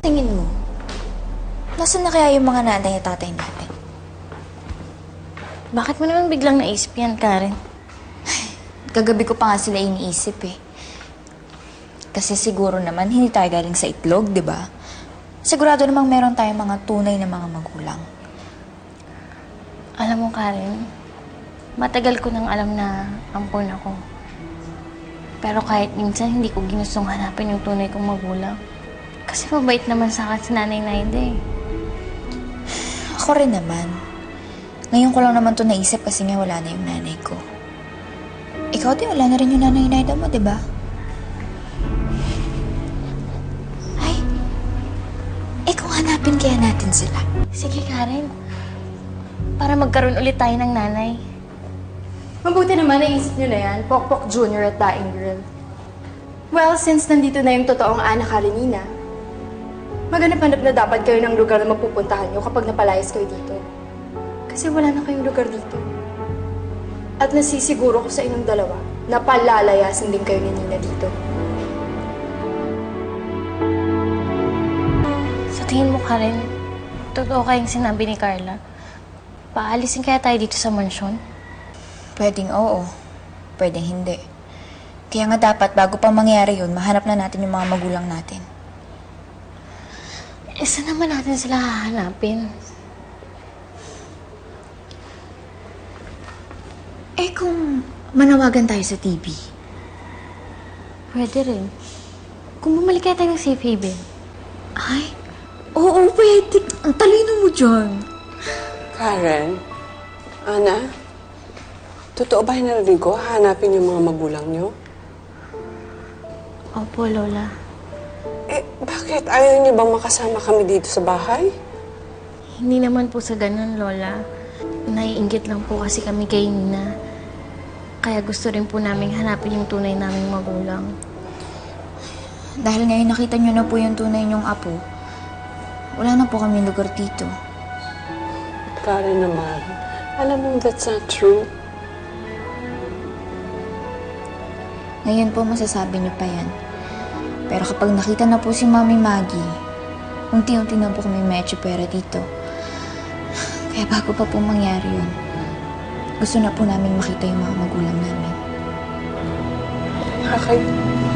tingin mo? Nasaan na kaya yung mga nanay at tatay natin? Bakit mo naman biglang naisip yan, Karen? Kagabi ko pa nga sila iniisip eh. Kasi siguro naman hindi tayo galing sa itlog, di ba? Sigurado namang meron tayong mga tunay na mga magulang. Alam mo, Karen, matagal ko nang alam na ampon ako. Pero kahit minsan, hindi ko ginustong hanapin yung tunay kong magulang. Kasi mabait naman sa akin si Nanay Naida eh. Ako rin naman. Ngayon ko lang naman to naisip kasi nga wala na yung nanay ko. Ikaw din, wala na rin yung nanay Naida mo, di ba? Ay, kung hanapin kaya natin sila. Sige, Karen. Para magkaroon ulit tayo ng nanay. Mabuti naman naisip nyo na yan, Pokpok Jr. at Daing Girl. Well, since nandito na yung totoong Ana Karenina, maghanap-hanap na dapat kayo ng lugar na mapupuntahan nyo kapag napalayas kayo dito. Kasi wala na kayong lugar dito. At nasisiguro ko sa inyong dalawa na palalayasin din kayo ni Nina dito. Sa tingin mo, Karen, totoo kayong sinabi ni Carla? Paalisin kaya tayo dito sa mansyon? Pwedeng oo, pwedeng hindi. Kaya nga dapat bago pa mangyari yun, mahanap na natin yung mga magulang natin. Saan naman natin sila hahanapin? Kung manawagan tayo sa TV. Pwede rin. Kung bumalik kaya tayo ng safe haven. Ay, oo, pwede. Ang talino mo dyan. Karen, Ana, totoo ba yung narinig ko? Hanapin yung mga magulang niyo? Opo, Lola. Bakit? Ayaw niyo bang makasama kami dito sa bahay? Hindi naman po sa ganun, Lola. Naiinggit lang po kasi kami kay Nina. Kaya gusto rin po naming hanapin yung tunay naming magulang. Dahil ngayon nakita nyo na po yung tunay nyong apo, wala na po kami lugar dito. Karen naman, alam mo that's not true. Ngayon po masasabi nyo pa yan. Pero kapag nakita na po si Mami Maggie, unti-unti na po kami medyo pera dito. Kaya bago pa po mangyari yun, gusto na po namin makita yung mga magulang namin. Okay.